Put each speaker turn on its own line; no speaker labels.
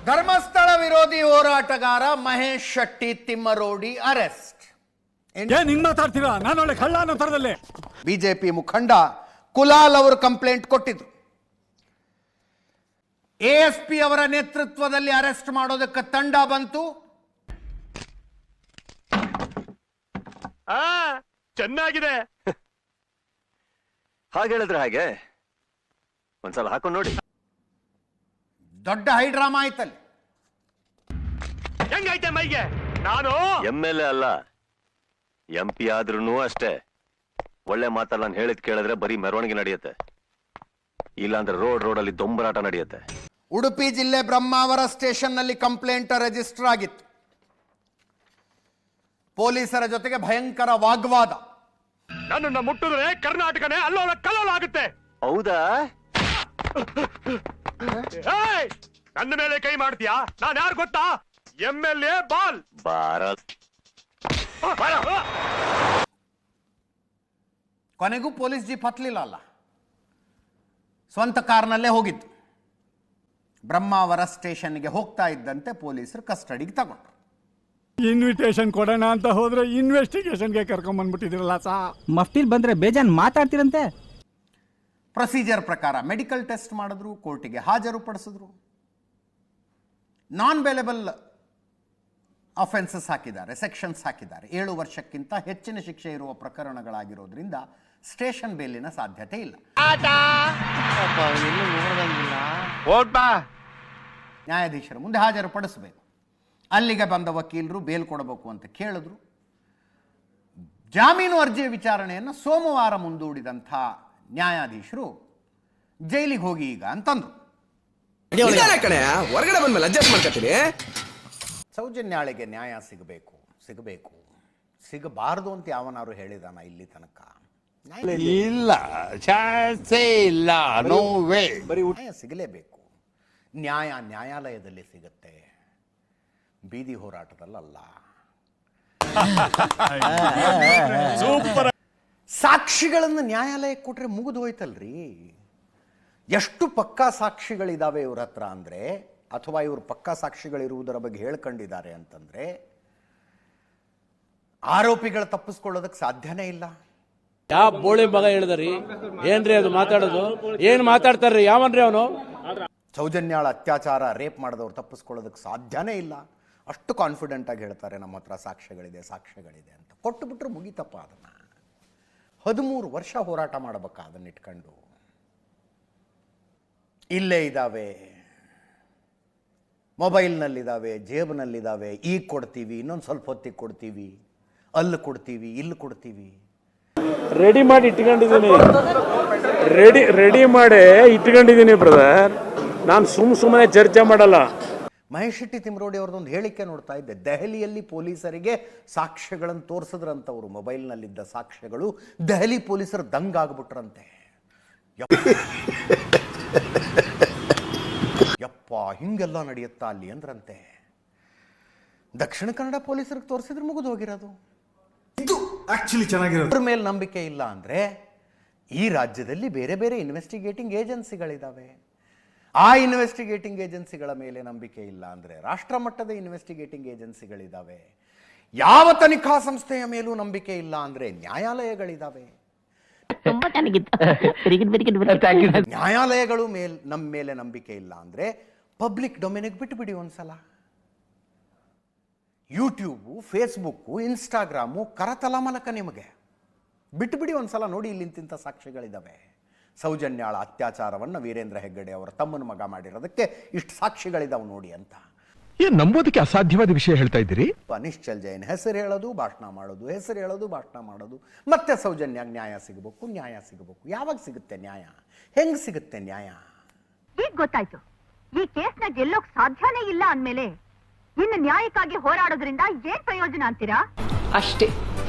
ಧರ್ಮಸ್ಥಳ ವಿರೋಧಿ ಹೋರಾಟಗಾರ ಮಹೇಶ್ ಶೆಟ್ಟಿ ತಿಮ್ಮರೋಡಿ ಅರೆಸ್ಟ್.
ಏನ್ ಮಾತಾಡ್ತೀರಾ? ನಾನು ಒಳ್ಳೆ ಕಳ್ಳ ಅನ್ನೋ ತರದಲ್ಲೇ.
ಬಿಜೆಪಿ ಮುಖಂಡ ಕುಲಾಲ್ ಅವರು ಕಂಪ್ಲೇಂಟ್ ಕೊಟ್ಟಿದ್ರು. ಎಎಸ್ಪಿ ಅವರ ನೇತೃತ್ವದಲ್ಲಿ ಅರೆಸ್ಟ್ ಮಾಡೋದಕ್ಕೆ ತಂಡ ಬಂತು.
ಚೆನ್ನಾಗಿದೆ.
ಹಾಗೆ ಹೇಳಿದ್ರೆ ಹಾಗೆ ಒಂದ್ಸಲ ಹಾಕೊಂಡು ನೋಡಿ.
ದೊಡ್ಡ ಹೈಡ್ರಾಮಾ ಆಯ್ತಲ್ಲಿ.
ಹೆಂಗೈತೆ ಮೈಗೆ? ನಾನು
MLA ಅಲ್ಲ, MP ಆದ್ರೂ ಅಷ್ಟೇ. ಒಳ್ಳೆ ಮಾತಲ್ಲ ನಾನು ಹೇಳಿದ್ ಕೇಳಿದ್ರೆ ಬರೀ ಮೆರವಣಿಗೆ ನಡೆಯುತ್ತೆ, ಇಲ್ಲಾಂದ್ರೆ ರೋಡಲ್ಲಿ ದೊಂಬರಾಟ ನಡೆಯುತ್ತೆ.
ಉಡುಪಿ ಜಿಲ್ಲೆ ಬ್ರಹ್ಮಾವರ ಸ್ಟೇಷನ್ ನಲ್ಲಿ ಕಂಪ್ಲೇಂಟ್ ರಿಜಿಸ್ಟರ್ ಆಗಿತ್ತು. ಪೊಲೀಸರ ಜೊತೆಗೆ ಭಯಂಕರ ವಾಗ್ವಾದ.
ನನ್ನನ್ನು ಮುಟ್ಟಿದ್ರೆ ಕರ್ನಾಟಕನೇ ಅಲ್ಲೋಲ ಕಲ್ಲೋಲ ಆಗುತ್ತೆ.
ಹೌದಾ?
ನನ್ನ ಮೇಲೆ ಕೈ ಮಾಡ್ತೀಯಾ? ನಾನು ಯಾರು ಗೊತ್ತಾ? MLA ಬಾಲ್
ಭಾರತ್.
ಕೊನೆಗೂ ಪೊಲೀಸ್ ಜೀಪ್ ಹತ್ತಲಿಲ್ಲ ಅಲ್ಲ, ಸ್ವಂತ ಕಾರ್ನಲ್ಲೇ ಹೋಗಿದ್ದು. ಬ್ರಹ್ಮಾವರ ಸ್ಟೇಷನ್ಗೆ ಹೋಗ್ತಾ ಇದ್ದಂತೆ ಪೊಲೀಸರು ಕಸ್ಟಡಿಗೆ ತಗೊಂಡ್ರು.
ಇನ್ವಿಟೇಷನ್ ಕೊಡೋಣ ಅಂತ ಹೋದ್ರೆ ಇನ್ವೆಸ್ಟಿಗೇಷನ್ಗೆ ಕರ್ಕೊಂಡ್ ಬಂದ್ಬಿಟ್ಟಿದ್ರಲ್ಲ ಸಾ.
ಮಫ್ತಿಲ್ ಬಂದ್ರೆ ಬೇಜಾನ್ ಮಾತಾಡ್ತಿರಂತೆ.
ಪ್ರೊಸೀಜರ್ ಪ್ರಕಾರ ಮೆಡಿಕಲ್ ಟೆಸ್ಟ್ ಮಾಡಿದ್ರು, ಕೋರ್ಟಿಗೆ ಹಾಜರುಪಡಿಸಿದ್ರು. ನಾನ್ ಬೇಲೆಬಲ್ ಅಫೆನ್ಸಸ್ ಹಾಕಿದ್ದಾರೆ, ಸೆಕ್ಷನ್ಸ್ ಹಾಕಿದ್ದಾರೆ. 7 ವರ್ಷಕ್ಕಿಂತ ಹೆಚ್ಚಿನ ಶಿಕ್ಷೆ ಇರುವ ಪ್ರಕರಣಗಳಾಗಿರೋದ್ರಿಂದ ಸ್ಟೇಷನ್ ಬೇಲಿನ ಸಾಧ್ಯತೆ ಇಲ್ಲ. ನ್ಯಾಯಾಧೀಶರ ಮುಂದೆ ಹಾಜರುಪಡಿಸಬೇಕು. ಅಲ್ಲಿಗೆ ಬಂದ ವಕೀಲರು ಬೇಲ್ ಕೊಡಬೇಕು ಅಂತ ಕೇಳಿದ್ರು. ಜಾಮೀನು ಅರ್ಜಿಯ ವಿಚಾರಣೆಯನ್ನು ಸೋಮವಾರ ಮುಂದೂಡಿದಂಥ ನ್ಯಾಯಾಧೀಶರು ಜೈಲಿಗೆ ಹೋಗಿ ಈಗ ಅಂತಂದ್ರು.
ಹೊರಗಡೆ ಬಂದ್ಮೇಲೆ ಅಡ್ಜಸ್ಟ್ ಮಾಡ್ಕೊತೀನಿ.
ಸೌಜನ್ಯಾಳಿಗೆ ನ್ಯಾಯ ಸಿಗಬೇಕು, ಸಿಗಬಾರದು ಅಂತ ಯಾವನಾರು ಹೇಳಿದಾನ ಇಲ್ಲಿ ತನಕ?
ಇಲ್ಲ, ಚಾನ್ಸೇ ಇಲ್ಲ. No way.
ನ್ಯಾಯ ಸಿಗಲೇಬೇಕು. ನ್ಯಾಯಾಲಯದಲ್ಲಿ ಸಿಗುತ್ತೆ, ಬೀದಿ ಹೋರಾಟದಲ್ಲ. ಸಾಕ್ಷಿಗಳನ್ನು ನ್ಯಾಯಾಲಯಕ್ಕೆ ಕೊಟ್ರೆ ಮುಗಿದು ಹೋಯ್ತಲ್ರಿ. ಎಷ್ಟು ಪಕ್ಕಾ ಸಾಕ್ಷಿಗಳಿದಾವೆ ಇವ್ರ ಹತ್ರ ಅಂದ್ರೆ, ಅಥವಾ ಇವರು ಪಕ್ಕಾ ಸಾಕ್ಷಿಗಳಿರುವುದರ ಬಗ್ಗೆ ಹೇಳ್ಕೊಂಡಿದ್ದಾರೆ ಅಂತಂದ್ರೆ ಆರೋಪಿಗಳು ತಪ್ಪಿಸ್ಕೊಳ್ಳೋದಕ್ಕೆ ಸಾಧ್ಯನೇ ಇಲ್ಲ.
ಯಾವ ಬೋಳಿ ಮಗ ಹೇಳಿದ್ರಿ? ಏನ್ರಿ ಅದು ಮಾತಾಡೋದು? ಏನ್ ಮಾತಾಡ್ತಾರ್ರಿ? ಯಾವನ್ರಿ ಅವನು?
ಸೌಜನ್ಯಾಳ ಅತ್ಯಾಚಾರ, ರೇಪ್ ಮಾಡಿದವ್ರು ತಪ್ಪಿಸ್ಕೊಳ್ಳೋದಕ್ಕೆ ಸಾಧ್ಯನೇ ಇಲ್ಲ. ಅಷ್ಟು ಕಾನ್ಫಿಡೆಂಟ್ ಆಗಿ ಹೇಳ್ತಾರೆ, ನಮ್ಮ ಹತ್ರ ಸಾಕ್ಷ್ಯಗಳಿದೆ ಅಂತ. ಕೊಟ್ಟು ಬಿಟ್ರೆ ಮುಗಿತಪ್ಪ. ಅದನ್ನ 13 ವರ್ಷ ಹೋರಾಟ ಮಾಡಬೇಕಾ ಅದನ್ನ ಇಟ್ಕೊಂಡು? ಇಲ್ಲೇ ಇದ್ದಾವೆ, ಮೊಬೈಲ್ನಲ್ಲಿದ್ದಾವೆ, ಜೇಬ್ನಲ್ಲಿದ್ದಾವೆ. ಈಗ ಕೊಡ್ತೀವಿ, ಇನ್ನೊಂದು ಸ್ವಲ್ಪ ಹೊತ್ತಿಗೆ ಕೊಡ್ತೀವಿ, ಅಲ್ಲಿ ಕೊಡ್ತೀವಿ, ಇಲ್ಲಿ ಕೊಡ್ತೀವಿ.
ರೆಡಿ ಮಾಡಿ ಇಟ್ಕೊಂಡಿದ್ದೀನಿ, ರೆಡಿ ಮಾಡಿ ಇಟ್ಕೊಂಡಿದ್ದೀನಿ ಬ್ರದರ್. ನಾನು ಸುಮ್ಮನೆ ಚರ್ಚೆ ಮಾಡಲ್ಲ.
ಮಹೇಶ್ ಶೆಟ್ಟಿ ತಿಮ್ಮರೋಡಿ ಅವ್ರದ್ದೊಂದು ಹೇಳಿಕೆ ನೋಡ್ತಾ ಇದ್ದೆ. ದೆಹಲಿಯಲ್ಲಿ ಪೊಲೀಸರಿಗೆ ಸಾಕ್ಷ್ಯಗಳನ್ನು ತೋರಿಸಿದ್ರಂತವರು, ಮೊಬೈಲ್ನಲ್ಲಿದ್ದ ಸಾಕ್ಷ್ಯಗಳು. ದೆಹಲಿ ಪೊಲೀಸರು ದಂಗಾಗ್ಬಿಟ್ರಂತೆ. ಯಪ್ಪ, ಹಿಂಗೆಲ್ಲ ನಡೆಯುತ್ತಾ ಅಲ್ಲಿ ಅಂದ್ರಂತೆ. ದಕ್ಷಿಣ ಕನ್ನಡ ಪೊಲೀಸರಿಗೆ ತೋರಿಸಿದ್ರೆ ಮುಗಿದು ಹೋಗಿರೋದು.
ಇದು ಆಕ್ಚುಲಿ ಚೆನ್ನಾಗಿರೋದು.
ಅವ್ರ ಮೇಲೆ ನಂಬಿಕೆ ಇಲ್ಲ ಅಂದ್ರೆ ಈ ರಾಜ್ಯದಲ್ಲಿ ಬೇರೆ ಬೇರೆ ಇನ್ವೆಸ್ಟಿಗೇಟಿಂಗ್ ಏಜೆನ್ಸಿಗಳಿದ್ದಾವೆ. ಆ ಇನ್ವೆಸ್ಟಿಗೇಟಿಂಗ್ ಏಜೆನ್ಸಿಗಳ ಮೇಲೆ ನಂಬಿಕೆ ಇಲ್ಲ ಅಂದ್ರೆ ರಾಷ್ಟ್ರ ಮಟ್ಟದ ಇನ್ವೆಸ್ಟಿಗೇಟಿಂಗ್ ಏಜೆನ್ಸಿಗಳಿದ್ದಾವೆ. ಯಾವ ತನಿಖಾ ಸಂಸ್ಥೆಯ ಮೇಲೂ ನಂಬಿಕೆ ಇಲ್ಲ ಅಂದ್ರೆ ನ್ಯಾಯಾಲಯಗಳಿದ್ದಾವೆ. ನ್ಯಾಯಾಲಯಗಳು ನಮ್ಮ ಮೇಲೆ ನಂಬಿಕೆ ಇಲ್ಲ ಅಂದ್ರೆ ಪಬ್ಲಿಕ್ ಡೊಮೇನಿಗೆ ಬಿಟ್ಟುಬಿಡಿ ಒಂದ್ಸಲ. ಯೂಟ್ಯೂಬು, ಫೇಸ್ಬುಕ್ಕು, ಇನ್ಸ್ಟಾಗ್ರಾಮು ಕರತಲ ಮಲಕ ನಿಮಗೆ ಬಿಟ್ಟುಬಿಡಿ ಒಂದ್ಸಲ. ನೋಡಿ, ಇಲ್ಲಿಂತಿಂಥ ಸಾಕ್ಷಿಗಳಿದ್ದಾವೆ. ಸೌಜನ್ಯಾಳ ಅತ್ಯಾಚಾರವನ್ನು ವೀರೇಂದ್ರ ಹೆಗ್ಗಡೆ ಅವರ ತಮ್ಮನ ಮಗ ಮಾಡಿರೋದಕ್ಕೆ ಇಷ್ಟು ಸಾಕ್ಷಿಗಳಿದಾವೆ ನೋಡಿ ಅಂತ.
ನಂಬೋದಕ್ಕೆ ಅಸಾಧ್ಯವಾದ ವಿಷಯ ಹೇಳ್ತಾ ಇದ್ದೀರಿ.
ನಿಶ್ಚಲ್ ಜೈನ್ ಹೆಸರು ಹೇಳೋದು, ಭಾಷಣ ಮಾಡೋದು, ಮತ್ತೆ ಸೌಜನ್ಯಾಗ ನ್ಯಾಯ ಸಿಗಬೇಕು. ಯಾವಾಗ ಸಿಗುತ್ತೆ ನ್ಯಾಯ? ಹೆಂಗ್ ಸಿಗುತ್ತೆ ನ್ಯಾಯ?
ಈಗ ಗೊತ್ತಾಯ್ತು. ಈ ಕೇಸ್ನ ಗೆಲ್ಲೋಕ್ ಸಾಧ್ಯನೇ ಇಲ್ಲ ಅಂದ್ಮೇಲೆ ಇನ್ನು ನ್ಯಾಯಕ್ಕಾಗಿ ಹೋರಾಡೋದ್ರಿಂದ ಏನ್ ಪ್ರಯೋಜನ ಅಂತೀರಾ?
ಅಷ್ಟೇ.